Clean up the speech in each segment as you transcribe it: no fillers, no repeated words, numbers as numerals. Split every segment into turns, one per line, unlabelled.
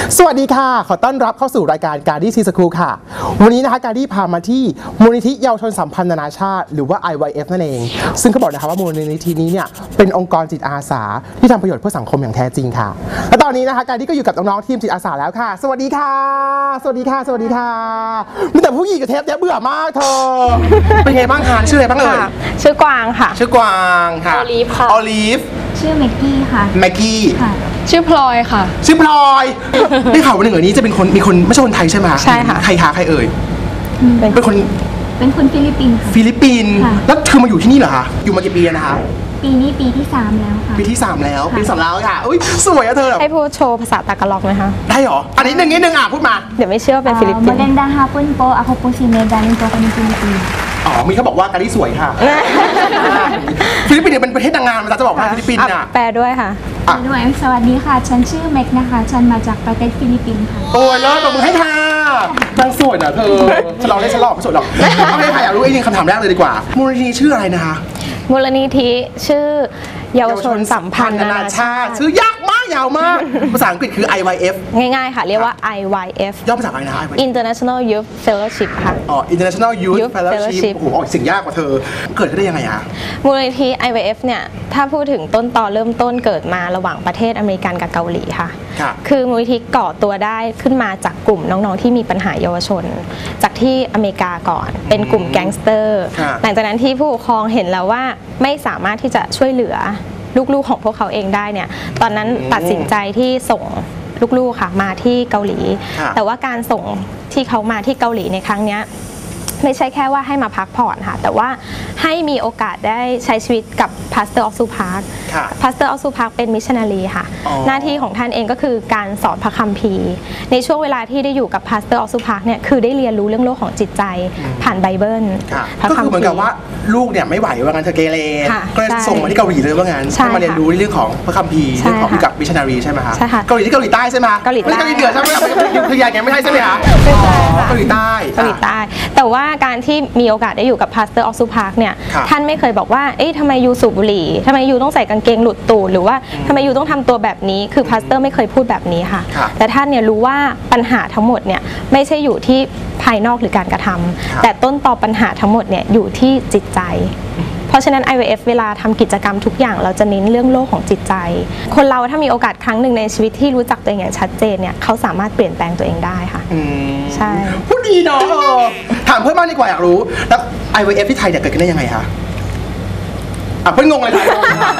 สวัสดีค่ะขอต้อนรับเข้าสู่รายการการดี้ซีสคูลค่ะวันนี้นะคะการดี้พามาที่มูลนิธิเยาวชนสัมพันธ์นานาชาติหรือว่า IYF นั่นเองซึ่งเขาบอกนะคะว่ามูลนิธินี้เนี่ยเป็นองค์กรจิตอาสาที่ทำประโยชน์เพื่อสังคมอย่างแท้จริงค่ะและตอนนี้นะคะการดี้ก็อยู่กับน้องๆทีมจิตอาสาแล้วค่ะสวัสดีค่ะสวัสดีค่ะสวัสดีค่ะมีแต่ผู้หญิงกับเทปเบื่อมากเธอเป็นไงบ้างคะชื่ออะไรบ้างเอ่ย
ชื่อกวางค่ะ
ชื่อกวางค่ะ
ออลีฟค่ะ
ออลีฟ
ชื่อแม็กกี้ค่ะ
แม็กกี้
ค่ะ
ชื่อพลอยค่ะ
ชื่อพลอยได้ข่าววันหนึ่งนี้จะเป็นคนมีคนไม่ใช่คนไทยใช่ไหม
ใช่ค่ะ
ใครคะใครเอ่ยเป็นคน
ฟิลิปปินส์
ฟิลิปปินส์แล้วเธอมาอยู่ที่นี่เหรอคะอยู่มากี่ปีแล้วนะคะ
ปีนี้ปีที่3แล้วค่ะ
ปีที่3แล้วปี2แล้วค่ะอุ้ยสวยอะเธอ
ให้พูดโชว์ภาษาตากล็อกไหมคะ
ได้หรออันนี้นิดนึงพูดมา
เดี๋ยวไม่เชื่อว่าเป็นฟิลิปปินส์
Maganda hapon po ako po si Megan po kami Philippines
อ๋อมีเขาบอกว่าการที่สวยค่ะฟิลิปปินส์เนี่ยเป็นประเทศนางงามจะบอกว่าฟิลิปปินส์
อ่ะแปลด้วยค่ะ
ด้วยสวัสดีค่ะฉันชื่อแม็กนะคะฉันมาจากประเทศฟิลิปปินส์ค่ะ
โอ้ยเลิศตบมือให้ค่ะนางสวยนะเธอฉันลองได้ฉันลองไม่สวยหรอกเอาเลยค่ะอยากรู้ไอ้นี่คำถามแรกเลยดีกว่ามูลนิธิชื่ออะไรนะคะ
มูลนิธิชื่อเยาวชนสัมพันธ์นานาชาติ
ชื่อยากมากยาวมากภาษาอังกฤษคือ IYF
ง่ายๆค่ะเรียกว่า IYF
ย่อมาจากอะไรนะ
International Youth Fellowship ค่ะ
อ๋อ International Youth Fellowship โอ้โหออกเสียงยากกว่าเธอเกิดขึ้นได้ยังไงอะ
มูลนิธิ IYF เนี่ยถ้าพูดถึงต้นตอเริ่มต้นเกิดมาระหว่างประเทศอเมริกันกับเกาหลีค่ะคือมูลนิธิก่อตัวได้ขึ้นมาจากกลุ่มน้องๆที่มีปัญหาเยาวชนจากที่อเมริกาก่อนเป็นกลุ่มแก๊งสเตอร์หลังจากนั้นที่ผู้ปกครองเห็นแล้วว่าไม่สามารถที่จะช่วยเหลือลูกๆของพวกเขาเองได้เนี่ยตอนนั้นตัดสินใจที่ส่งลูกๆค่ะมาที่เกาหลีแต่ว่าการส่งที่เขามาที่เกาหลีในครั้งนี้ไม่ใช่แค่ว่าให้มาพักผ่อนค่ะแต่ว่าให้มีโอกาสได้ใช้ชีวิตกับพาสเตอร์ออฟซูพาร์คพาสเตอร์ออฟซูพาร์คเป็นมิชชันนารีค่ะหน้าที่ของท่านเองก็คือการสอนพระคัมภีร์ในช่วงเวลาที่ได้อยู่กับพาสเตอร์ออฟซูพาร์คเนี่ยคือได้เรียนรู้เรื่องโลกของจิตใจผ่านไบเบิล
ก็คือเหมือนกับว่าลูกเนี่ยไม่ไหวว่างั้นเธอเกเรก็เลยส่งมาที่เกาหลีเลยว่างั้นให้มาเรียนรู้เรื่องของพระคัมภีร์เรื่องของกับมิชชันนารีใช่ไหมคะเกาหลีที่เกาหลีใต้ใช่ไหม
เกาหลีใต้
เกาหลีเหนือใช่ไหมคืออย่างไม่ใช่ใช่ไหมคะเกาหลีใต้
แต่ว่าการที่มีโอกาสได้อยู่กับพาสเตอร์ออฟซูพาร์คเนี่ยท่านไม่เคยบอกว่าเอ๊ะทำไมยูสูบบุหรี่ทำไมยูต้องใส่กางเกงหลุดตูดหรือว่าทำไมยูต้องทำตัวแบบนี้คือพาสเตอร์ไม่เคยพูดแบบนี้ค่ะแต่ท่านเนี่ยรู้ว่าปัญหาทั้งหมดเนี่ยไม่ใช่อยู่ที่ภายนอกหรือการกระทำแต่ต้นตอปัญหาทั้งหมดเนี่ยอยู่ที่จิตใจเพราะฉะนั้น IYF เวลาทำกิจกรรมทุกอย่างเราจะเน้นเรื่องโลกของจิตใจคนเราถ้ามีโอกาสครั้งหนึ่งในชีวิตที่รู้จักตัวเองอย่างชัดเจนเนี่ยเขาสามารถเปลี่ยนแปลงตัวเองได้ค่ะใช่
พูดดีเนาะถามเพื่อนบ้านดีกว่าอยากรู้แล้ว IYF ที่ไทยเนี่ยเกิดขึ้นได้ยังไงคะเพื่อนงงเลยค่ะ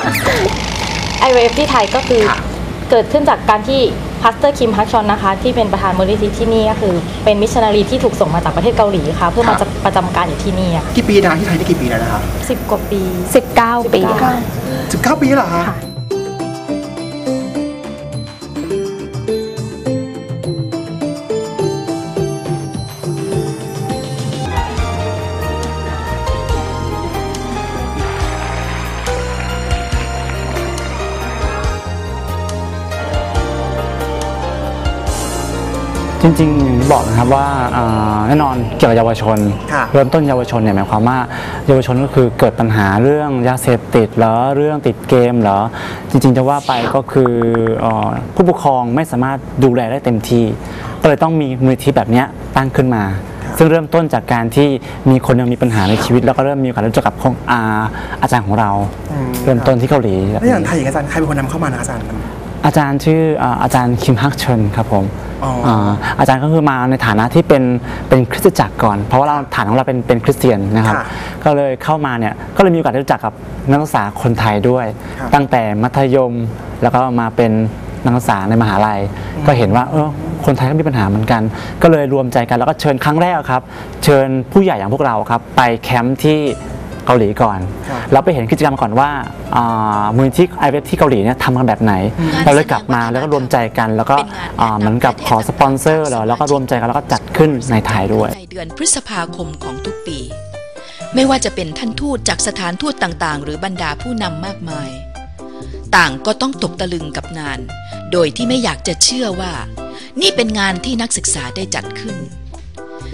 IYF ที่ไทยก็คือเกิดขึ้นจากการที่พาสเตอร์คิมฮักชอนนะคะที่เป็นประธานมูลนิธิที่นี่ก็คือเป็นมิชชันนารีที่ถูกส่งมาจากประเทศเกาหลีค่ะเพื่อมาประจำการอยู่ที่นี่ค่ะ
กี่ปีนะที่ไทยได้กี่ปีแล้วนะคะ
10 กว่าปี
19 ปีค่ะ
19 ปีเหรอคะ
จริงๆบอกนะครับว่าแน่นอนเกี่ยวกับเยาวชนเริ่มต้นเยาวชนเนี่ยหมายความว่าเยาวชนก็คือเกิดปัญหาเรื่องยาเสพติดหรือเรื่องติดเกมหรือจริงๆจะว่าไปก็คือผู้ปกครองไม่สามารถดูแลได้เต็มที่ก็เลยต้องมีมูลนิธิแบบนี้ตั้งขึ้นมาซึ่งเริ่มต้นจากการที่มีคนยังมีปัญหาในชีวิตแล้วก็เริ่มมีโอกาสรู้จักกับอาจารย์ของเราเริ่มต้นที่เกาหลี
แล้วอย่างไทยอาจารย์ใครเป็นคนนำเข้ามานะอาจารย์
ชื่ออาจารย์คิมฮักเชิญครับผมอาจารย์ก็คือมาในฐานะที่เป็นคริสตจักรก่อนเพราะว่าเราฐานของเราเป็นคริสเตียนนะครับก็เลยเข้ามาเนี่ยก็เลยมีโอกาสได้รู้จักกับนักศึกษาคนไทยด้วยตั้งแต่มัธยมแล้วก็มาเป็นนักศึกษาในมหาลัยก็เห็นว่าคนไทยก็มีปัญหาเหมือนกันก็เลยรวมใจกันแล้วก็เชิญครั้งแรกครับเชิญผู้ใหญ่อย่างพวกเราครับไปแคมป์ที่เกาหลีก่อนเราไปเห็นกิจกรรมก่อนว่ามูลนิธิ IYF ที่เกาหลีเนี่ยทำกันแบบไหนเราเลยกลับมาแล้วก็รวมใจกันแล้วก็เหมือนกับขอสปอนเซอร์แล้วก็รวมใจกันแล้วก็จัดขึ้นในไทยด้วย
ในเดือนพฤษภาคมของทุกปีไม่ว่าจะเป็นท่านทูตจากสถานทูตต่างๆหรือบรรดาผู้นำมากมายต่างก็ต้องตกตะลึงกับงานโดยที่ไม่อยากจะเชื่อว่านี่เป็นงานที่นักศึกษาได้จัดขึ้น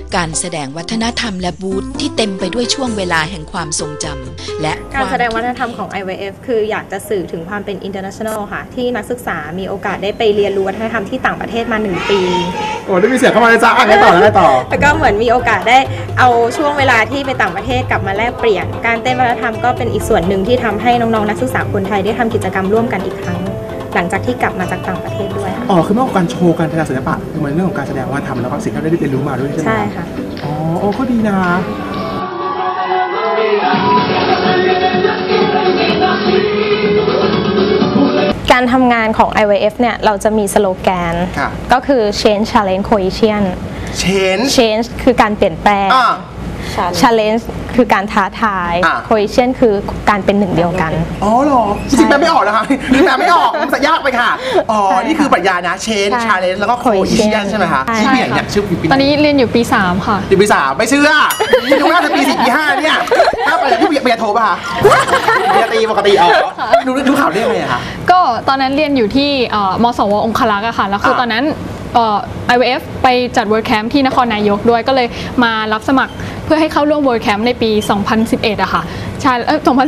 การแสดงวัฒนธรรมและบูธที่เต็มไปด้วยช่วงเวลาแห่งความทรงจำและ
การแสดงวัฒนธรรมของ IYF คืออยากจะสื่อถึงความเป็น international ค่ะ ที่นักศึกษามีโอกาสได้ไปเรียนรู้วัฒนธรรมที่ต่างประเทศมา1 ปี
โอ้ได้มีเสียงเข้ามาเลยจ้าอ่ะได้ต่อแล้วต่อ
แล้วก็เหมือนมีโอกาสได้เอาช่วงเวลาที่ไปต่างประเทศกลับมาแลกเปลี่ยน การเต้นวัฒนธรรมก็เป็นอีกส่วนหนึ่งที่ทำให้น้องๆนักศึกษาคนไทยได้ทำกิจกรรมร่วมกันอีกครั้ง หลังจากที่กลับมาจากต่างประเทศด้วยค่ะ
อ๋อคือเมื่อการโชว์การแสดงศิลปะคือมันเรื่องของการแสดงวัฒนธรรมแล้วก็สิ่งที่เราได้เรียนรู้มาด้วยใช่ไหม
ใช่ค่ะ
อ๋อโอ้ก็ดีนะ
การทำงานของ IYF เนี่ยเราจะมีสโลแกน
ค่ะ
ก็คือ change challenge cohesion change คือการเปลี่ยนแปลง challenge คือการท้าทาย cohesion คือการเป็นหนึ่งเดียวกัน
อ๋อเหรอจริงๆแปลไม่ออกนะคะนี่แปลไม่ออกมันจะยากไปค่ะอ๋อนี่คือปรัชญานะ change
ใช่
challenge แล้วก็ cohesion ใช่ไหมคะ
ใช่
ที่เปลี่ยนเนี่ยชื่อปี
ตอนนี้เรียนอยู่ปี 3 ค่ะ
ปี3ไม่เชื่อที่ดูน่าจะปี4ปี5เนี่ยถ้าไปที่เบียร์โทรป่ะคะเบียร์ตีปกติอ๋อดูข่าวได้ยังไงอะคะ
ก็ตอนนั้นเรียนอยู่ที่มสวองคลักษ์อะค่ะ แล้วคือตอนนั้นIYF ไปจัด World Camp ที่นครนายกด้วยก็เลยมารับสมัครเพื่อให้เข้าร่วม World Camp ในปี 2011อะค่ะใช่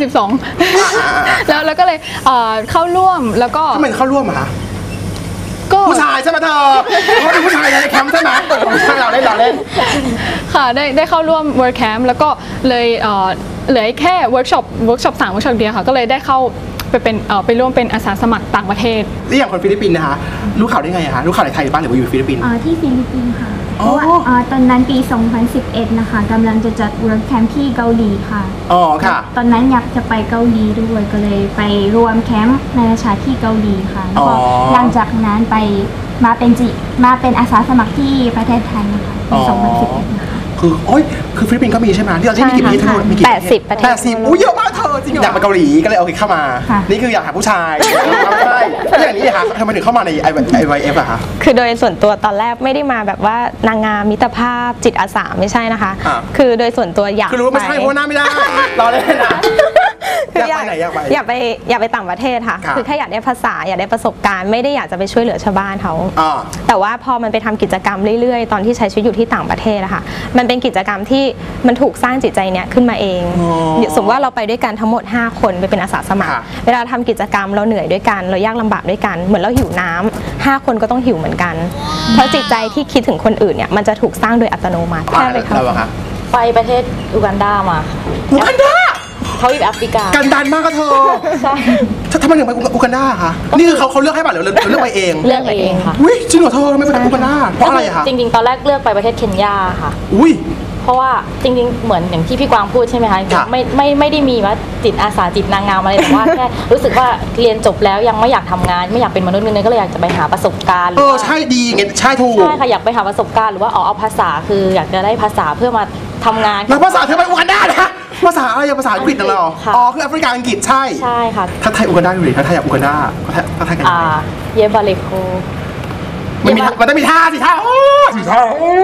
2012 แล้วก็เลยเข้าร่วมแล้วก็
ทำไมเข้าร่วมอะคะ
ก็
ผู้ชายใช่ไหมเธอเขาเป็นผู้ชายในแคมป์ใช่ไหมผู้ชายเราเล่น
ค่ะได้เข้าร่วม World Camp แล้วก็เลยเหลือแค่เวิร์กช็อป3เวิร์กช็อปเดียวค่ะก็เลยได้เข้าไปร่วมเป็นอาสาสมัครต่างประเทศ
นี่อย่างคนฟิลิปปินส์นะคะรู้ข่าวได้ไงอะคะรู้ข่าวในไทยบ้างหรือว่าอยู่ฟิลิปปินส์
ที่ฟิลิปปินส์ค่ะ เพ
อ๋อ
ราะว่าตอนนั้นปี 2011 นะคะกำลังจะจัด World Camp ที่เกาหลีค่ะ
อ๋อค่ะ
ตอนนั้นอยากจะไปเกาหลีด้วยก็เลยไปรวมแคมป์นานาชาติที่เกาหลีค่ะแล้วก็หลังจากนั้นมาเป็นอาสาสมัครที่ประเทศไทยนะคะปี 2011 นะคะ
คือฟิลิปปินส์ก็มีใช่ไหมที่เราที่มีกี่ประเทศทั้งหมดมีกี่ประเทศ
80 ประเทศ
80อุ้ยเยอะมากเธอจริงอยากไปเกาหลีก็เลยเอาเข้ามา
ค่ะ
นี่คืออยากหาผู้ชายใช่แล้วอย่างนี้ค่ะทำไมถึงเข้ามาใน IYF อะคะ
คือโดยส่วนตัวตอนแรกไม่ได้มาแบบว่านางงามมิตรภาพจิตอาสาไม่ใช่นะคะ คือโดยส่วนตัวอยาก
คือรู้ว่าไม่ใช่เพราะว่าหน้าไม่ได้รอเล่นนะ
คืออยาก
อยากไป
อยากไปต่างประเทศค่ะ
ครับ
คือแค่อยากได้ภาษาอยากได้ประสบการณ์ไม่ได้อยากจะไปช่วยเหลือชาวบ้านเขา
อ่า
แต่ว่าพอมันไปทำกิจกรรมเรื่อยๆ ตอนที่ใช้ชีวิตอยู่ที่ต่างประเทศอะค่ะมันเป็นกิจกรรมที่มันถูกสร้างจิตใจเนี้ยขึ้นมาเอง
อ๋อ
สมมติว่าเราไปด้วยกันทั้งหมด 5 คนไปเป็นอาสาสมัคร
ค่ะ
เวลาทำกิจกรรมเราเหนื่อยด้วยกันเรายากลำบากด้วยกันเหมือนเราหิวน้ำ5 คนก็ต้องหิวเหมือนกัน เพราะจิตใจที่คิดถึงคนอื่นเนี่ยมันจะถูกสร้างโดยอัตโนมัติแค่ไปเข้า
เราอะคะ
ไปประเทศอูกันดามา
อูกันดา
เขาอยู่แอฟริกา
กันดันมากก็เธอ
ใช่
ทำไมถึงไปอูกันดาคะนี่คือเขาเลือกให้ป่ะหรือเราเลือกไปเอง
เลือกเองค่ะ
อุ้ยจริงเหรอเธอทำไมไปอูกันดาเพราะอะไรอะคะ
จริงๆ ตอนแรกเลือกไปประเทศเคนยาค่ะ
อุ้ย
เพราะว่าจริงๆ เหมือนอย่างที่พี่กวางพูดใช่ไหมคะ
ค่ะ
ไม่ได้มีว่าจิตอาสาจิตนางงามอะไรแต่ว่า แค่รู้สึกว่าเรียนจบแล้วยังไม่อยากทำงานไม่อยากเป็นมนุษย์เงินเดือนก็เลยอยากจะไปหาประสบการณ์หรือว่า
ใช่ดีไงใช่ถูก
ใช่ค่ะอยากไปหาประสบการณ์หรือว่าเอาภาษาคืออยากจะได้ภาษาเพื่อมาทำงาน
แล้วภาษาเธอไปอูกันดานะภาษาอะไรภาษาอังกฤษน่ะเหรอ
ค่ะ
อ๋อคือแอฟริกาอังกฤษใช่
ใช่ค่ะ
ถ้าไทยอูกันดาดูดิถ้าไทยอยากอูกันดาถ้าไทยกันยังไง
เยบาเลโค
มันต้องมีท่าสิท่าโอ้สิท่าโอ้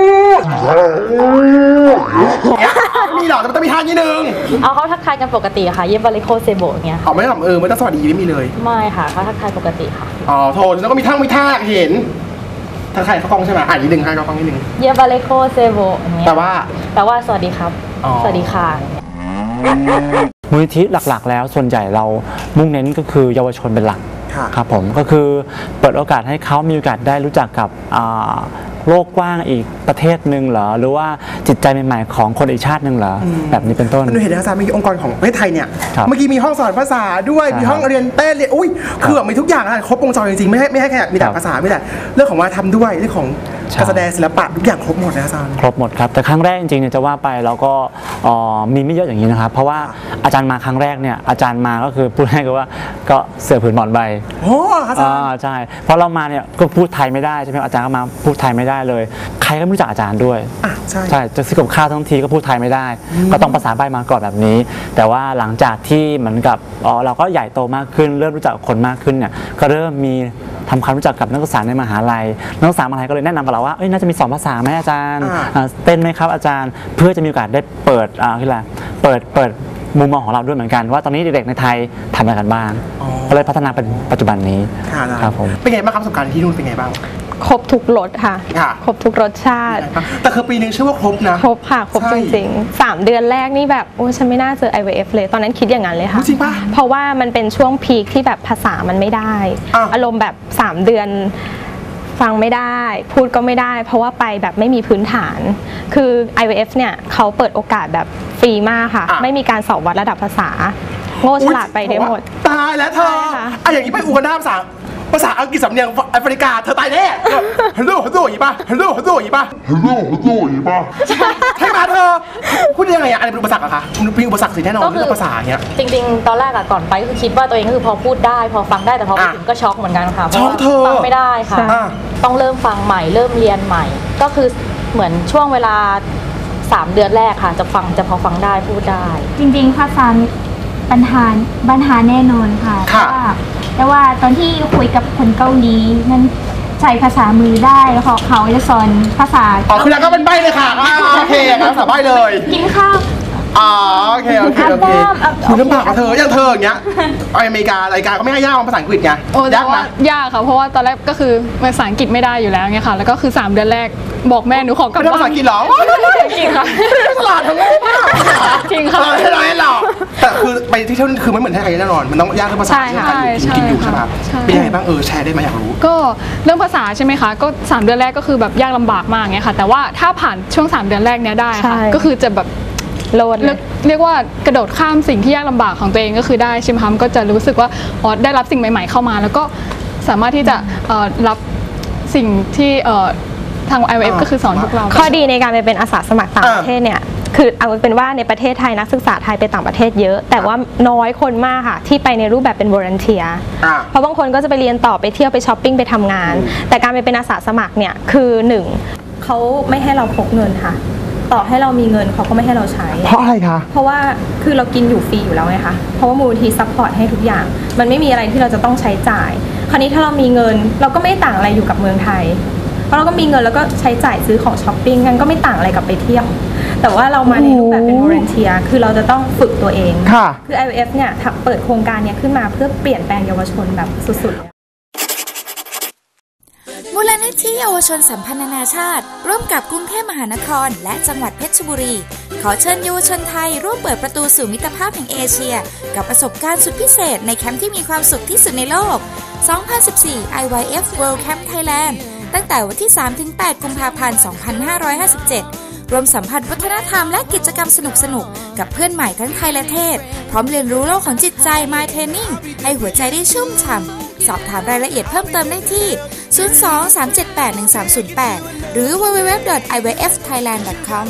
มีหรอแต่มันต้องมีท่านิดนึง
เอาเขาทักทายกันปกติค่ะเยบาเลโคเซโบอย่างเงี้ยค่ะ
เอาไม่ต้องไม่ต้องสวัสดีไม่มีเลย
ไม่ค่ะเขาทักทายปกติค่ะ
อ๋อโทษแล้วก็มีท่าเห็นถ้าใครเขากล้องใช่ไหมอ่านนิดนึงให้เขากล้องนิดนึง
เยบาเลโคเซโบอย่างเงี้ย
แต่ว่า
แปลว่าสวัสดีครับ
อ๋อ
สวัสดีค่ะ
มูลนิธิหลักๆ แล้วส่วนใหญ่เรามุ่งเน้นก็คือเยาวชนเป็นหลัก
ค่ะ
ครับผมก็คือเปิดโอกาสให้เขามีโอกาสได้รู้จักกับโลกกว้างอีกประเทศหนึ่งเหรอหรือว่าจิตใจใหม่ๆของคนอีกชาติหนึ่งเหรอแบบนี้เป็นต้น
มันเห็นอาจารย์มีองค์กรของประเทศไทยเนี่ย
ครับ
เมื่อกี้มีห้องสอนภาษาด้วย
ใช่
มีห้องเรียนเต้นเรียนอุ้ยคือแบบมีทุกอย่างอะครบวงจรจริงๆไม่ให้แค่มีแต่
ครับ
ภาษาไม่แต่เรื่องของวัฒนธรรมด้วยเรื่องของ
ใช่
การแสดงศิลปะทุกอย่างครบหมดนะอาจารย์
ครบหมดครับแต่ครั้งแรกจริงๆเนี่ยจะว่าไปเราก็มีไม่เยอะอย่างนี้นะครับเพราะว่าอาจารย์มาครั้งแรกเนี่ยอาจารย์มาก็คือพูดให้กันว่าก็เสือผืนหมอนใบ
โอ้อาจารย์
ใช่เพราะเรามาเนี่ยก็พูดไทยไม่ได้ใช่ไหมอาจารย์ก็มาพูดไทยไม่ได้เลย ใครก็ไม่รู้จักอาจารย์ด้วย
ใช่
ใช่จะซื้อกับข้าวทั้งทีก็พูดไทยไม่ได้ ก็ต้องภาษาใบมาก่อนแบบนี้ แต่ว่าหลังจากที่เหมือนกับเราก็ใหญ่โตมากขึ้นเริ่มรู้จักคนมากขึ้นเนี่ยก็เริ่มมีทำความรู้จักกับนักศึกษาในมหาลัยนักศึกษามหาลัยก็เลยแนะนำกับเราว่าน่าจะมี2 ภาษาไหมอาจารย์เต้นไหมครับอาจารย์เพื่อจะมีโอกาสได้เปิดคืออะไรเปิดมุมมองของเราด้วยเหมือนกันว่าตอนนี้เด็กๆในไทยทำอะไรกันบ้างก็เลยพัฒนาเป็นปัจจุบันนี้
ค่ะอาจารย์
ครับผม
เป็นไงบ้างครับประสบการณ์ที่นู่นเป็นไงบ้าง
ครบทุกรสค่ะครบทุกรสชาติ
แต่คือปีนึงเชื่อว่าครบนะ
ครบค่ะครบจริงๆ3 เดือนแรกนี่แบบโอ้ฉันไม่น่าเจอ IVF เลยตอนนั้นคิดอย่างนั้นเลยค่ะ
จริงปะ
เพราะว่ามันเป็นช่วงพีคที่แบบภาษามันไม่ได้อารมณ์แบบ3 เดือนฟังไม่ได้พูดก็ไม่ได้เพราะว่าไปแบบไม่มีพื้นฐานคือ IVF เนี่ยเขาเปิดโอกาสแบบฟรีมากค่ะไม่มีการสอบวัดระดับภาษาโง่ฉลาดไปได้หมด
ตายแล้วเธออย่างนี้ไปอูกันด้าภาษาอังกฤษสำเนียงแอฟริกาเธอตายแน่ฮัลโหลอย่างนี้ป่ะฮัลโหลอย่างนี้ป่ะใช่ไหมเธอพูดยังไงอะไรเป็นอุปสรรคอะคะมันเป็นอุปสรรคสิแน่นอนเรื่องภาษาเนี้ย
จริงๆตอนแรกก่อนไปก็คือคิดว่าตัวเองก็คือพอพูดได้พอฟังได้แต่พอไปถึงก็ช็อกเหมือนกันค่ะเพราะว่าฟังไม่ได้ค่ะต้องเริ่มฟังใหม่เริ่มเรียนใหม่ก็คือเหมือนช่วงเวลา3 เดือนแรกค่ะจะพอฟังได้พูดได้
จริงๆภาษาปัญหาแน่นอนค่ะแต่ว่าตอนที่คุยกับคนเกาหลีนั้นใช้ภาษามือได้แล้วเขาจะสอนภาษา
คือแล้วก็เป็นใบเลยค่ะโอเคภาษาใบเลย
กินข้าว
โอเคคุณลำบากกับเธออย่างเงี้ยไปอเมริการายการก็ไม่ให้ยากภาษาอังกฤษไง
ยากไหมยากค่ะเพราะว่าตอนแรกก็คือภาษาอังกฤษไม่ได้อยู่แล้วไงค่ะแล้วก็คือ3 เดือนแรกบอกแม่หนูขอกลับบ้าน
ภาษาอังกฤษหรอ
จริงค่ะ
ตลาดทั้งโลก
จริงค่ะ
อะไรหรอแต่คือไปที่เที่ยวคือไม่เหมือนที่ไทยแน่นอนมันต้องยากเรื่องภาษาที่ไทยกินอยู่ใช่ไหมเป็นยังไงบ้างแชร์ได้ไหมอยากรู้
ก็เรื่องภาษาใช่ไหมคะก็3 เดือนแรกก็คือแบบยากลำบากมากไงค่ะแต่ว่าถ้าผ่านช่วง3 เดือนแรกเนี้ยได้ค่ะก็คือจะแบบเรียกว่ากระโดดข้ามสิ่งที่ยากลำบากของตัวเองก็คือได้ใช่ไหมคะก็จะรู้สึกว่าได้รับสิ่งใหม่ๆเข้ามาแล้วก็สามารถที่จะรับสิ่งที่ทาง IVF ก็คือสอนพวกเรา
ข้อดีในการไปเป็นอาสาสมัครต่างประเทศเนี่ยคือเอาเป็นว่าในประเทศไทยนักศึกษาไทยไปต่างประเทศเยอะแต่ว่าน้อยคนมากค่ะที่ไปในรูปแบบเป็น volunteer เพราะบางคนก็จะไปเรียนต่อไปเที่ยวไปช้อปปิ้งไปทำงานแต่การไปเป็นอาสาสมัครเนี่ยคือ1เขาไม่ให้เราพกเงินค่ะต่อให้เรามีเงินเขาก็ไม่ให้เราใช้
เพราะอะไรคะ
เพราะว่าคือเรากินอยู่ฟรีอยู่แล้วไงคะเพราะว่ามูลนิธิซัพพอร์ตให้ทุกอย่างมันไม่มีอะไรที่เราจะต้องใช้จ่ายคราวนี้ถ้าเรามีเงินเราก็ไม่ต่างอะไรอยู่กับเมืองไทยเพราะเราก็มีเงินแล้วก็ใช้จ่ายซื้อของช้อปปิ้งกันก็ไม่ต่างอะไรกับไปเที่ยวแต่ว่าเรามาในรูปแบบเป็น volunteer คือเราจะต้องฝึกตัวเองคือ IVF เนี่ยเปิดโครงการนี้ขึ้นมาเพื่อเปลี่ยนแปลงเยาวชนแบบสุดๆ
มูลนิธิเยาวชนสัมพันธ์นานาชาติร่วมกับกรุงเทพมหานครและจังหวัดเพชรบุรีขอเชิญเยาวชนไทยร่วมเปิดประตูสู่มิตรภาพแห่งเอเชียกับประสบการณ์สุดพิเศษในแคมป์ที่มีความสุขที่สุดในโลก 2014 IYF World Camp Thailand ตั้งแต่วันที่ 3-8 กุมภาพันธ์ 2557 รวมสัมผัสวัฒนธรรมและกิจกรรมสนุกๆกับเพื่อนใหม่ทั้งไทยและเทศพร้อมเรียนรู้โลกของจิตใจ My Training ให้หัวใจได้ชุ่มฉ่ำสอบถามรายละเอียดเพิ่มเติมได้ที่ 02-378-1308 หรือ www.ivfthailand.com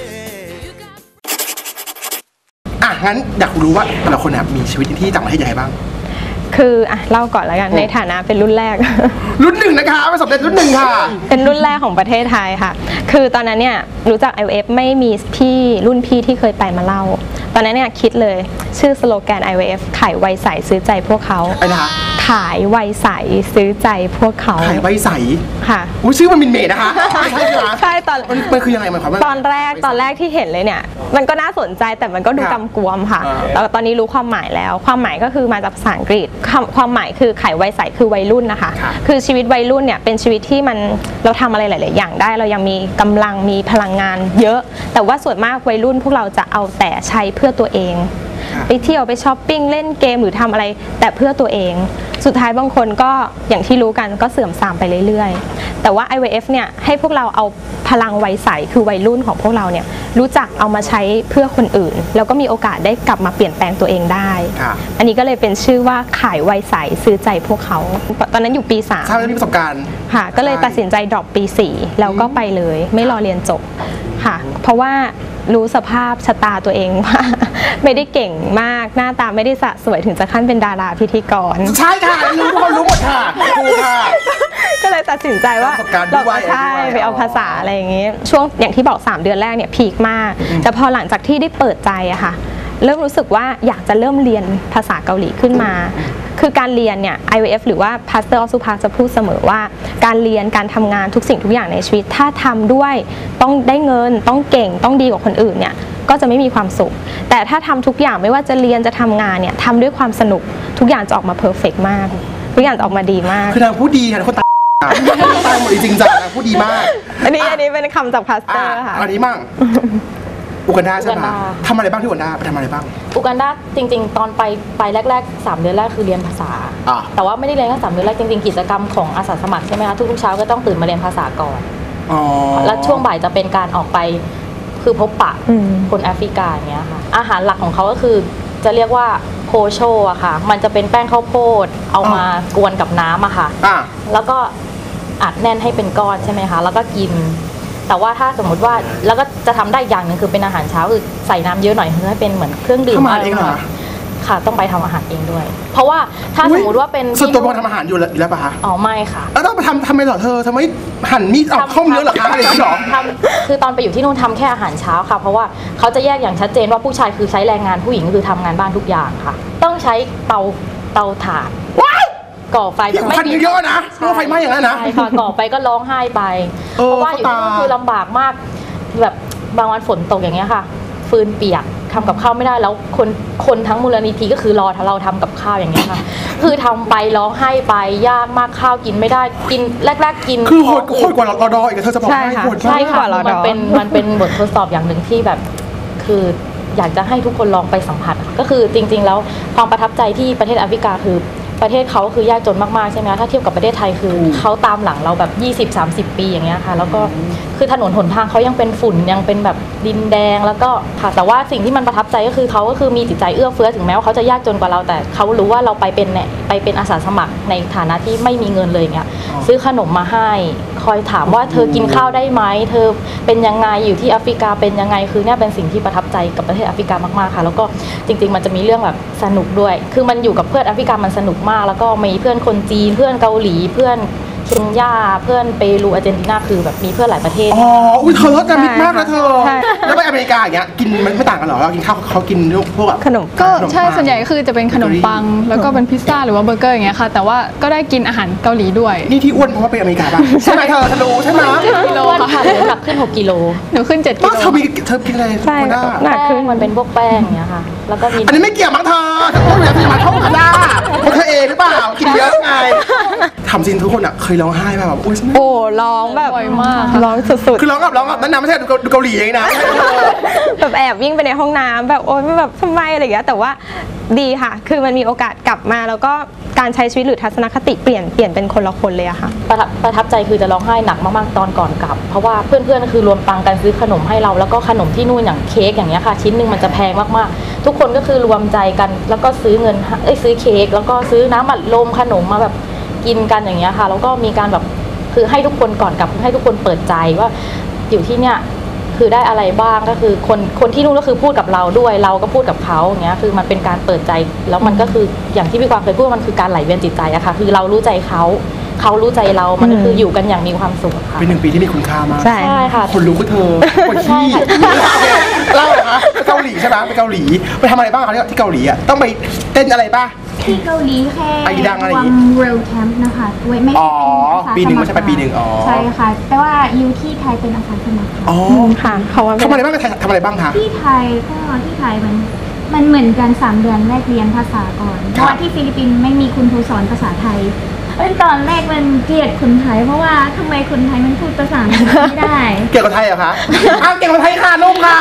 งั้นอยากรู้ว่าแต่ละคนมีชีวิตที่ต่างประเทศยังไงบ้าง
คือเล่าก่อนแล้วกันในฐานะเป็นรุ่นแรก
รุ่น 1นะคะประสบการณ์รุ่น 1ค่ะ
เป็นรุ่นแรกของประเทศไทยค่ะคือตอนนั้นเนี่ยรู้จัก IVF ไม่มีรุ่นพี่ที่เคยไปมาเล่าตอนนั้นเนี่ยคิดเลยชื่อสโลแกน IVF ขายไวใสซื้อใจพวกเขาขายไวใสซื้อใจพวกเขา
ขายไวใส
ค่ะ
ชื่อมันมินเมดนะคะ
ใช่ตอน
มันคือยังไงมันความ
ตอนแรกที่เห็นเลยเนี่ยมันก็น่าสนใจแต่มันก็ดูกำกวมค่ะแล้วตอนนี้รู้ความหมายแล้วความหมายก็คือมาจากภาษาอังกฤษความหมายคือขายไวใสคือวัยรุ่นนะคะคือชีวิตวัยรุ่นเนี่ยเป็นชีวิตที่เราทำอะไรหลายๆอย่างได้เรายังมีกำลังมีพลังงานเยอะแต่ว่าส่วนมากวัยรุ่นพวกเราจะเอาแต่ใช้เพื่อตัวเองไปเที่ยวไปช้อปปิ้งเล่นเกมหรือทำอะไรแต่เพื่อตัวเองสุดท้ายบางคนก็อย่างที่รู้กันก็เสื่อมทรามไปเรื่อยๆแต่ว่า IVF เนี่ยให้พวกเราเอาพลังวัยใสคือวัยรุ่นของพวกเราเนี่ยรู้จักเอามาใช้เพื่อคนอื่นแล้วก็มีโอกาสได้กลับมาเปลี่ยนแปลงตัวเองได้อันนี้ก็เลยเป็นชื่อว่าขายวัยใสซื้อใจพวกเขาตอนนั้นอยู่ปี3
ใช่มีประสบการณ์
ค่ะก็เลยตัดสินใจดรอปปี4แล้วก็ไปเลยไม่รอเรียนจบค่ะเพราะว่ารู้สภาพชะตาตัวเองว่าไม่ได้เก่งมากหน้าตาไม่ได้สะสวยถึงจะขั้นเป็นดาราพิธีกร
ใช่ค่ะรู้หมดค่ะ
ก็เลยตัดสินใจว่าเราใช่ไปเอาภาษาอะไรอย่างงี้ช่วงอย่างที่บอก3 เดือนแรกเนี่ยพีคมากแต่พอหลังจากที่ได้เปิดใจอะค่ะเริ่มรู้สึกว่าอยากจะเริ่มเรียนภาษาเกาหลีขึ้นมาคือการเรียนเนี่ย IVF หรือว่า Pastor of Supak จะพูดเสมอว่าการเรียนการทำงานทุกสิ่งทุกอย่างในชีวิตถ้าทำด้วยต้องได้เงินต้องเก่งต้องดีกว่าคนอื่นเนี่ยก็จะไม่มีความสุขแต่ถ้าทำทุกอย่างไม่ว่าจะเรียนจะทำงานเนี่ยทำด้วยความสนุกทุกอย่างจะออกมาเพอร์เฟกต์มากทุกอย่างจะออกมาดีมาก
คือนางพูดดีค่ะคนตาตั้งหมดจริงจังนะพูดดีมาก
อันนี้เป็นคำจากพาสเตอร์ค่ะ
อันนี้มั่งอูกันดาใช่ไหมทำอะไรบ้างที่อูกันดาไปทำอะไรบ้าง
อูกันดาจริงๆตอนไปแรกๆ3 เดือนแรกคือเรียนภาษาแต่ว่าไม่ได้เรียนแค่3 เดือนแรกจริงๆกิจกรรมของอาสาสมัครใช่ไหมคะทุกๆเช้าก็ต้องตื่นมาเรียนภาษาก่อนแล้วช่วงบ่ายจะเป็นการออกไปคือพบปะคนแอฟริกาอย่างเงี้ยค่ะอาหารหลักของเขาก็คือจะเรียกว่าโพโชอะค่ะมันจะเป็นแป้งข้าวโพดเอามากวนกับน้ำอะค่ะแล้วก็อัดแน่นให้เป็นก้อนใช่ไหมคะแล้วก็กินแต่ว่าถ้าสมมุติว่าแล้วก็จะทำได้อย่างหนึ่งคือเป็นอาหารเช้าคือใส่น้ำเยอะหน่อยเพื่อให้เป็นเหมือนเครื่องดื่มอะไรค่ะต้องไปทำอาหารเองด้วยเพราะว่าถ้าสมมติว่าเป็น
ส่วนตัวพอทำอาหารอยู่แล้วป่ะคะ
อ๋อไม่ค่ะ
แล้วต้องไปทำไมเหรอเธอทำไมหั่นมีดเอาข้าวเนื้อเหรอคะอะไรอย่างนี้หรอ
คือตอนไปอยู่ที่นู่นทำแค่อาหารเช้าค่ะเพราะว่าเขาจะแยกอย่างชัดเจนว่าผู้ชายคือใช้แรงงานผู้หญิงคือทำงานบ้านทุกอย่างค่ะต้องใช้เตาถ่านก่อไฟ
ไม่มีเยอะนะไฟไหม้อย่างนั้นนะ
ใช่ค่ะก่อไปก็ร้องไห้ไปเพราะว่าอยู่ที่นู่นคือลำบากมากแบบบางวันฝนตกอย่างเงี้ยค่ะฟืนเปียกทำกับข้าวไม่ได้แล้วคนทั้งมูลนิธิก็คือรอเราทำกับข้าวอย่างเงี้ยค่ะคือทำไปร้องไห้ไปยากมากข้าวกินไม่ได้กินแรกๆกิน
คือโหดกว่าเราดออีกเธอจะบอกให้โหด
ใช่ค่ะมันเป็นบททดสอบอย่างหนึ่งที่แบบคืออยากจะให้ทุกคนลองไปสัมผัสก็คือจริงๆแล้วความประทับใจที่ประเทศแอฟริกาคือประเทศเขาคือยากจนมากๆใช่ไหมถ้าเทียบกับประเทศไทยคือเขาตามหลังเราแบบ 20-30 ปีอย่างเงี้ยค่ะแล้วก็คือถนนหนทางเขายังเป็นฝุ่นยังเป็นแบบดินแดงแล้วก็ค่ะแต่ว่าสิ่งที่มันประทับใจก็คือเขาก็คือมีจิตใจเอื้อเฟื้อถึงแม้ว่าเขาจะยากจนกว่าเราแต่เขารู้ว่าเราไปเป็นอาสาสมัครในฐานะที่ไม่มีเงินเลยอย่างเงี้ยซื้อขนมมาให้คอยถามว่าเธอกินข้าวได้ไหมเธอเป็นยังไงอยู่ที่แอฟริกาเป็นยังไงคือเนี่ยเป็นสิ่งที่ประทับใจกับประเทศแอฟริกามากๆค่ะแล้วก็จริงๆมันจะมีเรื่องแบบสนุกด้วยคือมันอยู่กับเพื่อนแอฟริกามันสนุกมากแล้วก็มีเพื่อนคนจีนเพื่อนเกาหลีเพื่อนเคนยาเพื่อนเปรูอาร์เจนตินาคือแบบมีเพื่อนหลายประเทศ
อุ้ยเธอรสจะมิดมากนะเธอแล้วไปอเมริกาอย่างเงี้ยกินมันไม่ต่างกันหรอเรากินข้าวเขากินพวกแบบ
ขนม
ก็ใช่ส่วนใหญ่คือจะเป็นขนมปังแล้วก็เป็นพิซซ่าหรือว่าเบอร์เกอร์อย่างเงี้ยค่ะแต่ว่าก็ได้กินอาหารเกาหลีด้วย
นี่ที่อ้วนเพราะว่าไปอเมริกาป่ะใช่ไหมเธอรู้ใช่ไหม
กิโลค่ะหนักขึ้น6 กิโล
หนูขึ้น7 กิโล
เธอกินอะไร
ใช่หนักขึ้น
มันเป็นพวกแป้งอย่างเงี้ยค่ะแล้วก็มี
อันนี้ไม่เกี่ยวมั้งเธอต้องอยากจะมาท่องกันได้เพราะเธอเองหรือเปล่ากินเยอะไงทำจริงทุกคนอ่ะเคยร้องไห้แบบ
โอ้ร้องแบบ
มาก
ร้องสุดๆ
คือร้องกับนั่นนะไม่ใช่ดูเกาหลีเองนะ
แบบแอบวิ่งไปในห้องน้ำแบบโอ๊ยแบบทำไมอะไรอย่างเงี้ยแต่ว่าดีค่ะคือมันมีโอกาสกลับมาแล้วก็การใช้ชีวิตหรือทัศนคติเปลี่ยนเป็นคนละคนเลยอะค่ะ
ประทับใจคือจะร้องไห้หนักมากๆตอนก่อนกลับเพราะว่าเพื่อนๆคือรวมตังกันซื้อขนมให้เราแล้วก็ขนมที่นู่นอย่างเค้กอย่างเงี้ยค่ะชิ้นหนึ่งมันจะแพงมากๆทุกคนก็คือรวมใจกันแล้วก็ซื้อซื้อเค้กแล้วก็ซื้อน้ำอัดลมขนมมาแบบกินกันอย่างเงี้ยค่ะแล้วก็มีการแบบคือให้ทุกคนก่อนกลับให้ทุกคนเปิดใจว่าอยู่ที่เนี่ยคือได้อะไรบ้างก็คือคนที่นู่นก็คือพูดกับเราด้วยเราก็พูดกับเขาอย่างเงี้ยคือมันเป็นการเปิดใจแล้วมันก็คืออย่างที่พี่กวางเคยพูดมันคือการไหลเวียนจิตใจอะค่ะคือเรารู้ใจเขารู้ใจเรามันก็คืออยู่กันอย่างมีความสุขค่ะ
เป็น1 ปีที่มีคุณค่ามาก
ใช่
ค่ะ
คนรู้ก็เธอคนที่เล่าเหรอคะไปเกาหลีใช่ไหมไปเกาหลีไปทำอะไรบ้างคะที่เกาหลีอะต้องไปเต้นอะไรป่ะ
ที่เกาหลีแค่วางเวลแคมป์นะคะไม่
ใช่เป็นปี1ไม่ใช่ไปปี1
ใช่ค่ะแต่ว่าอยู่ที่ไทยเป็นอาสาสมัคร
ค่ะเขา
ทำอะไรบ้างทำอะไรบ้างคะ
ที่ไทยมันเหมือนกัน3 เดือนแรกเรียนภาษาก่อนเพราะว่าที่ฟิลิปปินส์ไม่มีคุณครูสอนภาษาไทยตอนแรกมันเกลียดคนไทยเพราะว่าทำไมคนไทยมันพูดภาษาไม่ได้
เกลียดคนไทยเหรอคะเกลียดคนไทยค่ะลูกค่ะ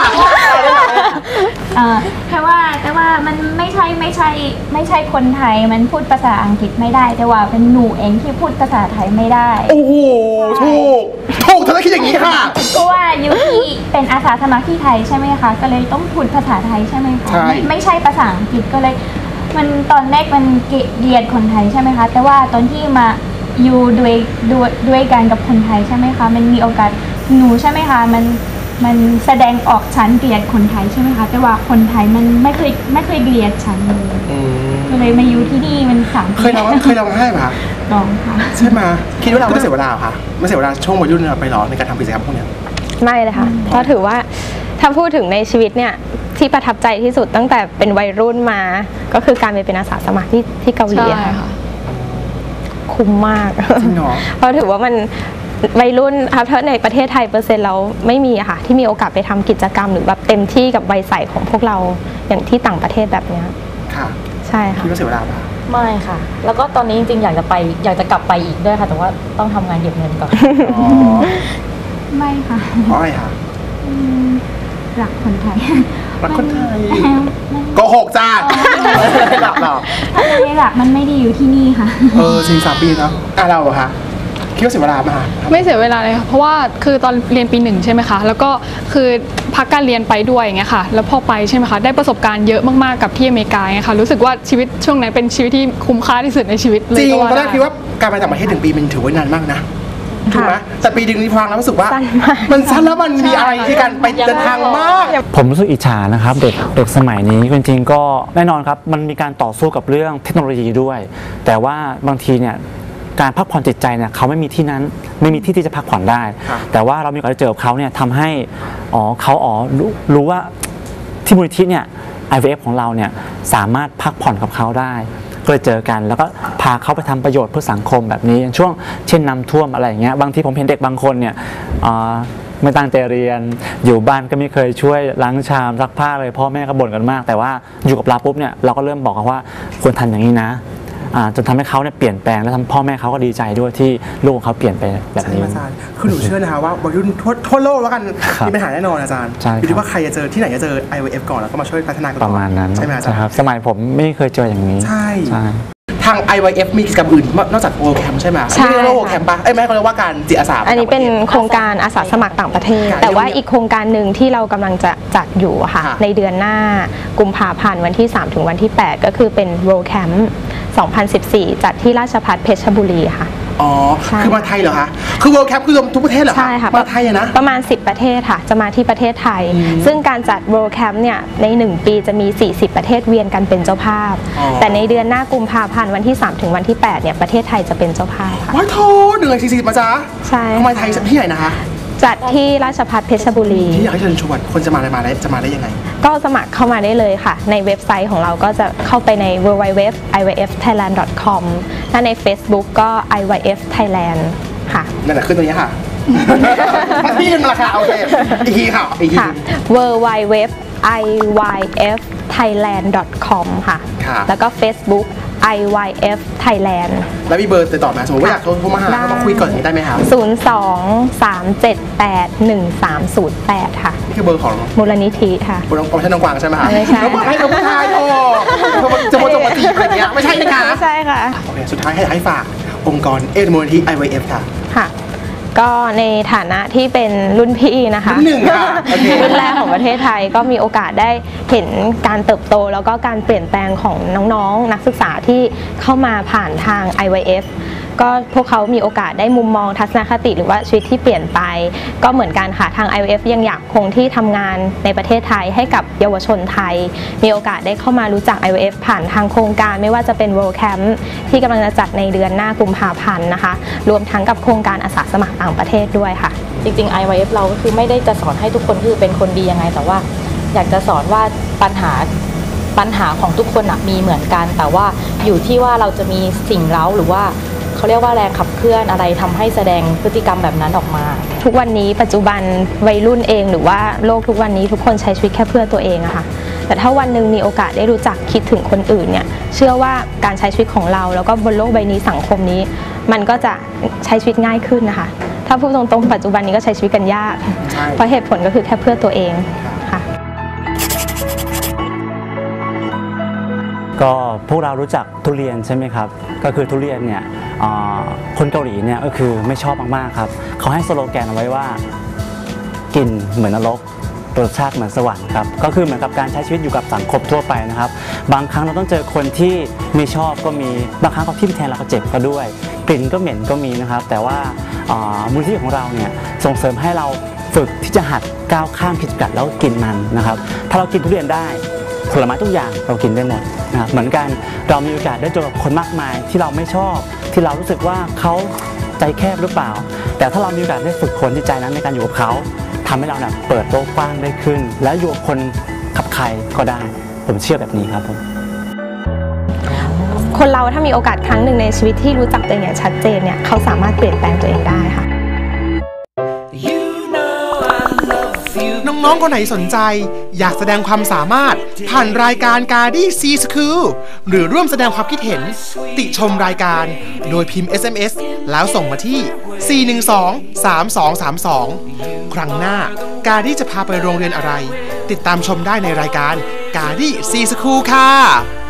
แต่ว่ามันไม่ใช่คนไทยมันพูดภาษาอังกฤษไม่ได้แต่ว่าเป็นหนูเองที่พูดภาษาไทยไม่ได้
โอ้โหถูกเธอต้องคิดอย่างนี้ค่ะ
เพราะว่าอยู่ที่เป็นอาสาสมัครที่ไทยใช่ไหมคะก็เลยต้องพูดภาษาไทยใช่ไหมคะไม่ใช่ภาษาอังกฤษก็เลยมันตอนแรกมันเกลียดคนไทยใช่ไหมคะแต่ว่าตอนที่มาอยู่ด้วยกันกับคนไทยใช่ไหมคะมันมีโอกาสหนูใช่ไหมคะมันแสดงออกฉันเกลียดคนไทยใช่ไหมคะแต่ว่าคนไทยมันไม่เคยเกลียดฉันเลยก็เลยมาอยู่ที่นี่มัน3 ปี
เคยร้องไห้ไหมคะ
ร้องค่ะ
ใช่ไหมคิดว่าเราไม่เสียเวลาค่ะไม่เสียเวลาช่วงวัยรุ่นเราไปร้องในการทำกิจกรรมพวกนี้
ไม่เลยค่ะเพราะถือว่าถ้าพูดถึงในชีวิตเนี่ยที่ประทับใจที่สุดตั้งแต่เป็นวัยรุ่นมาก็คือการไปเป็นอาสาสมัครที่เกาหลีค่ะคุ้มมากเพราะถือว่ามันวัยรุ่นถ้าในประเทศไทย%เราไม่มีอะค่ะที่มีโอกาสไปทำกิจกรรมหรือแบบเต็มที่กับวัยใสของพวกเราอย่างที่ต่างประเทศแบบนี้
ค่ะ
ใช่ค่ะ
คิดว่าเสียเวลาปะ
ไม่ค่ะแล้วก็ตอนนี้จริงๆอยากจะกลับไปอีกด้วยค่ะแต่ว่าต้องทำงานเก็บเงินก่อน
ไม่ค่ะ
อะไรคะ
รักคนไทย
รักคนไทยโกหกจ้าหลักหรอ
ไม่หลักมันไม่ได้อยู่ที่นี่ค่ะ
4-3 ปีเนาะเราเหรอคะคิดว่าเสียเวลาไหมคะ
ไม่เสียเวลาเลยค่ะเพราะว่าคือตอนเรียนปี 1ใช่ไหมคะแล้วก็คือพักการเรียนไปด้วยอย่างเงี้ยค่ะแล้วพอไปใช่ไหมคะได้ประสบการณ์เยอะมากๆกับที่อเมริกาไงค่ะรู้สึกว่าชีวิตช่วงนั้นเป็นชีวิตที่คุ้มค่าที่สุดในชีวิตเลย
จริงตอนแรกคิดว่าการไปต่างประเทศ1 ปีมันถือว่านานมากนะถูกไหมแต่ปีนึงนี่ฟังแล้วรู้สึกว่ามันสั้นแล้วมันมีอะไรที่การไปเดินทางมาก
ผมรู้สึกอิจฉานะครับเด็กสมัยนี้จริงๆก็แน่นอนครับมันมีการต่อสู้กับเรื่องเทคโนโลยีด้วยแต่ว่าบางทีเนี่ยการพักผ่อนจิตใจเนี่ยเขาไม่มีที่นั้นไม่มีที่ที่จะพักผ่อนได้แต่ว่าเรามีโอกาสได้เจอกับเขาเนี่ยทำให้เขารู้ว่าที่มูลนิธิเนี่ย IVF ของเราเนี่ยสามารถพักผ่อนกับเขาได้ก็เลยเจอกันแล้วก็พาเขาไปทำประโยชน์เพื่อสังคมแบบนี้อย่างช่วงเช่นน้ำท่วมอะไรอย่างเงี้ยบางทีผมเห็นเด็กบางคนเนี่ยไม่ตั้งใจเรียนอยู่บ้านก็ไม่เคยช่วยล้างชามซักผ้าเลยพ่อแม่ก็บ่นกันมากแต่ว่าอยู่กับเราปุ๊บเนี่ยเราก็เริ่มบอกเขาว่าควรทำอย่างนี้นะจนทำให้เขาเนี่ยเปลี่ยนแปลงและทำพ่อแม่เขาก็ดีใจด้วยที่ลูกของเขาเปลี่ยนไปแบบนี้
อาจารย์คือหนูเชื่อนะคะว่าวัยรุ่นทั่วโลกแล้วกันมีปัญหาแน่นอนอาจารย์อยู่ที่ว่าใครจะเจอที่ไหนจะเจอ IVF ก่อนแล้วก็มาช่วยพัฒนากัน
ประมาณนั้น
ใช่ไหมอาจารย์
ครับสมัยผมไม่เคยเจออย่างนี้
ใช่ทาง IVF มีกิจกรรมอื่นนอกจาก World Camp ใช่ไหม
ใช่
World Camp ป่ะไม่เขาเรียกว่าการจิตอาสา
อันนี้เป็นโครงการอาสาสมัครต่างประเทศแต่ว่าอีกโครงการหนึ่งที่เรากำลังจะจัดอยู่ค่ะในเดือนหน้ากุมภาพันธ์วันที่3ถึงวันที่8ก็คือเป็น World Camp 2014 จัดที่ราชภัฏเพชรบุรีค่ะ
คือมาไทยเหรอคะคือ World Camp คือรวมทุกประเทศเหรอ
ใช่ค่ะ
มาไทยนะ
ประมาณ10ประเทศค่ะจะมาที่ประเทศไทยซึ่งการจัด World Camp เนี่ยใน1ปีจะมี40ประเทศเวียนกันเป็นเจ้าภาพแต่ในเดือนหน้ากุมภาพันธ์วันที่3ถึงวันที่8เนี่ยประเทศไทยจะเป็นเจ้าภาพค่ะ
ว้าวโท140มาจ้า
ใช่
ทำไมไทยที่ไหนนะคะ
จัดที่ราชภัฏเพชรบุรี
ที่อยากให้เชิญชวนคนจะมาได้ยังไง
ก็สมัครเข้ามาได้เลยค่ะในเว็บไซต์ของเราก็จะเข้าไปใน www.ivfthailand.com ถ้าใน Facebook ก็ IVF Thailand ค่ะ
นั่นแหละขึ้นตรงนี้ค่ะที่นึงราคาโอเคอีกทีค่ะ
www.ivfthailand.com ค่ะแล้วก็ Facebook IVF Thailand
แล้วมีเบอร์ติดต่อมาสมมติว่าอยากโทรมาหาต้องคุยก่อนได้ไหมคะ
02-378-1308 ค่ะ
นี่คือเบอร์ของ
มูลนิธิค่ะ
บนของท่านน้องกวางใช่ไหมคะ
ไม่ใช่
แล้วบอกให้เราผู้ชายโทรจะมาตีอะไรเงี้ยไม่ใช่นะคะ
ไม่ใช่ค่ะ
โอเคสุดท้ายให้ฝากองค์กรมูลนิธิ IVF ค่ะ
ก็ในฐานะที่เป็นรุ่นพี่นะคะรุ่นแรกของประเทศไทยก็มีโอกาสได้เห็นการเติบโตแล้วก็การเปลี่ยนแปลงของน้องๆนักศึกษาที่เข้ามาผ่านทาง IVF ก็พวกเขามีโอกาสได้มุมมองทัศนคติหรือว่าชีวิตที่เปลี่ยนไปก็เหมือนกันค่ะทาง IVF ยังอยากคงที่ทำงานในประเทศไทยให้กับเยาวชนไทยมีโอกาสได้เข้ามารู้จัก IVF ผ่านทางโครงการไม่ว่าจะเป็น World Camp ที่กำลังจะจัดในเดือนหน้ากุมภาพันธ์นะคะรวมทั้งกับโครงการอาสาสมัครต่างประเทศด้วยค่ะ
จริงๆ IVF เราก็คือไม่ได้จะสอนให้ทุกคนคือเป็นคนดียังไงแต่ว่าอยากจะสอนว่าปัญหาของทุกคนมีเหมือนกันแต่ว่าอยู่ที่ว่าเราจะมีสิ่งเร้าหรือว่าเขาเรียกว่าแรงขับเคลื่อนอะไรทำให้แสดงพฤติกรรมแบบนั้นออกมา
ทุกวันนี้ปัจจุบันวัยรุ่นเองหรือว่าโลกทุกวันนี้ทุกคนใช้ชีวิตแค่เพื่อตัวเองอะค่ะแต่ถ้าวันหนึ่งมีโอกาสได้รู้จักคิดถึงคนอื่นเนี่ยเชื่อว่าการใช้ชีวิตของเราแล้วก็บนโลกใบนี้สังคมนี้มันก็จะใช้ชีวิตง่ายขึ้นนะคะถ้าพูดตรงๆปัจจุบันนี้ก็ใช้ชีวิตกันยากเพราะเหตุผลก็คือแค่เพื่อตัวเองค่ะ
ก็พวกเรารู้จักทุเรียนใช่ไหมครับก็คือทุเรียนเนี่ยคนเกาหลีเนี่ยก็คือไม่ชอบมากๆครับเขาให้สโลแกนเอาไว้ว่ากินเหมือนนรกรสชาติเหมือนสวรรค์ครับก็คือเหมือนกับการใช้ชีวิตอยู่กับสังคมทั่วไปนะครับบางครั้งเราต้องเจอคนที่ไม่ชอบก็มีบางครั้งเขาทิ่มแทงเราก็เจ็บก็ด้วยกลิ่นก็เหม็นก็มีนะครับแต่ว่ามูลนิธิของเราเนี่ยส่งเสริมให้เราฝึกที่จะหัดก้าวข้ามผิดกัดแล้วกินมันนะครับถ้าเรากินทุเรียนได้ผลไม้ทุกอย่างเรากินได้หมดนะครับเหมือนกันเรามีโอกาสได้เจอกับคนมากมายที่เราไม่ชอบที่เรารู้สึกว่าเขาใจแคบหรือเปล่าแต่ถ้าเรามีโอกาสได้ฝึกคนที่ใจนั้นในการอยู่กับเขาทำให้เราเปิดโลกกว้างได้ขึ้นและอยู่กับคนกับใครก็ได้ผมเชื่อแบบนี้ครับผม
คนเราถ้ามีโอกาสครั้งหนึ่งในชีวิตที่รู้จักตัวเองอย่างชัดเจนเนี่ยเขาสามารถเปลี่ยนแปลงตัวเองได้ค่ะ
น้น้องๆคนไหนสนใจอยากแสดงความสามารถผ่านรายการการดี้ซีสคูลหรือร่วมแสดงความคิดเห็นติชมรายการโดยพิมพ์ SMS แล้วส่งมาที่ 412-3232 ครั้งหน้ากาดี้จะพาไปโรงเรียนอะไรติดตามชมได้ในรายการการดี้ซีสคูลค่ะ